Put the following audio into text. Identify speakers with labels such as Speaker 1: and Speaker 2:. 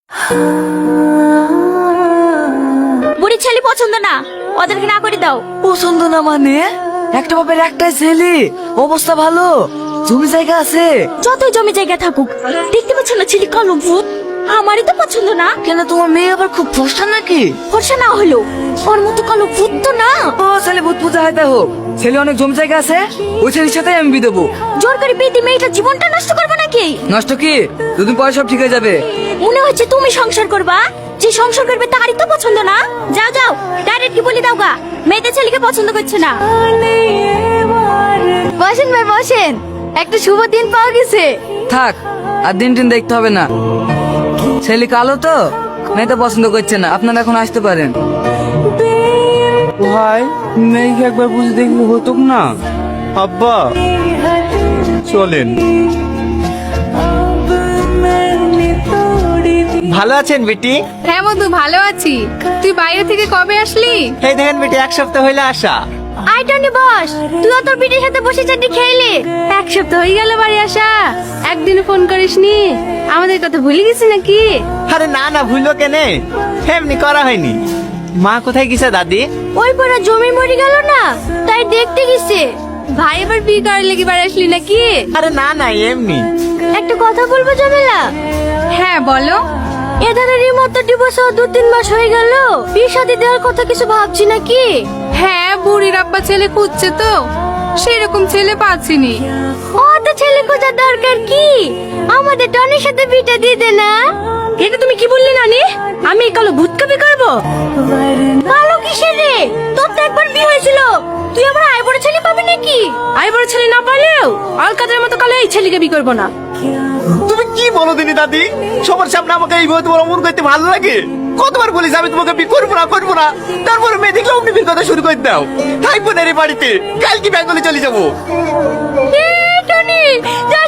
Speaker 1: বুড়ি ছেলে পছন্দ না, ওদেরকে না করে দাও।
Speaker 2: পছন্দ না মানে? একটা বাপের একটাই ছেলে, অবস্থা ভালো, জমি জায়গা আছে।
Speaker 1: যতই জমি জায়গা থাকুক, দেখতে পাচ্ছ না ছেলে কালো ভূত? আমারই তো পছন্দ না।
Speaker 2: কেন, তোমার মেয়ে আবার খুব ফর্সা নাকি?
Speaker 1: ফর্সা না হলো ওর মতো কালো ভূত তো না।
Speaker 2: ও ছেলে ভূত পূজা হয়, হোক, ছেলে অনেক জমি জায়গা আছে, ওই ছেলের সাথে আমি বিয়ে দেবো।
Speaker 1: জোর করে বিয়ে দিয়ে মেয়েটার জীবনটা নষ্ট করবো নাকি?
Speaker 2: নষ্ট কি, দুদিন পরে সব ঠিক হয়ে যাবে।
Speaker 1: মনে হচ্ছে তুমি সংসার করবা, যে সংসার করবে তারই তো পছন্দ না। যাও যাও, ডাইরেক্ট কি বলি দাও গা, মেয়েদের ছেলেকে পছন্দ করছে না।
Speaker 3: বসেন ভাই বসেন, একটা শুভ দিন পাওয়া গেছে।
Speaker 2: থাক, আর দিন টিন দেখতে হবে না, ছেলে কালো তো, মেয়েটা পছন্দ করছে না, আপনারা এখন আসতে পারেন।
Speaker 4: ভাই মেয়েকে একবার বুঝে দেখলে হতো না? আব্বা চলেন। ভালো আছেন বেটি?
Speaker 3: হ্যাঁ মধু, ভালো আছি। তুই বাইরে থেকে কবে আসলি?
Speaker 4: এই দেখেন বেটি, এক সপ্তাহ হইলে আসা।
Speaker 1: আই টনি বস, তুইও তোর বিটির সাথে বসে চাটি খেইলি।
Speaker 3: এক সপ্তাহ হয়ে গেল বাড়ি আসা, একদিনও ফোন করিসনি। আমাদের কথা ভুলে গেছি নাকি?
Speaker 4: আরে না না, ভুলো কেনে, এমনি করা হয়নি। মা কোথায় গেছে দাদি?
Speaker 1: ওই পড়া জমি মরে গেল না, তাই দেখতে গেছে।
Speaker 3: ভাই এবার বিয়ে করার লেগে বাড়ি আসলি নাকি?
Speaker 4: আরে না না, এমনি।
Speaker 1: একটা কথা বলবো জমেলা?
Speaker 3: হ্যাঁ বলো।
Speaker 1: এধারের মতো ডিভোর্স 2-3 মাস হয়ে গেল, বিয়ে শাদী দেওয়ার কথা কিছু ভাবছি নাকি?
Speaker 3: হ্যাঁ, বুড়ির আব্বা ছেলে খুঁজছে তো, সেরকম ছেলে পাচ্ছিনি।
Speaker 1: ও তো ছেলে খোঁজার দরকার কি, আমাদের টনির সাথে বিটা দিয়ে দে না। এটা তুমি কি বললে নানি? আমি এই কালো ভূত কবি করবো? কালো কিসের রে, তোর তো একবার বিয়ে হয়েছিল, তুই আমার আই বড় ছেলে পাবি নাকি? আই বড় ছেলে না পালেও অলকাদের মতো কালো এই ছেলেকে বিয়ে করবো না।
Speaker 4: তুমি কি বলো দিনি দাদি? সবার সামনে আমাকে এইভাবে তোমার অমন করতে ভালো লাগে? কতবার বলিস আমি তোমাকে বিয়ে করবো না করবো না, তারপরে মেয়ে দেখলে অমনি বিয়ের কথা শুরু করে দাও। থাকবো না রে বাড়িতে, কালকে বেঙ্গলে চলে যাবো।
Speaker 1: টনি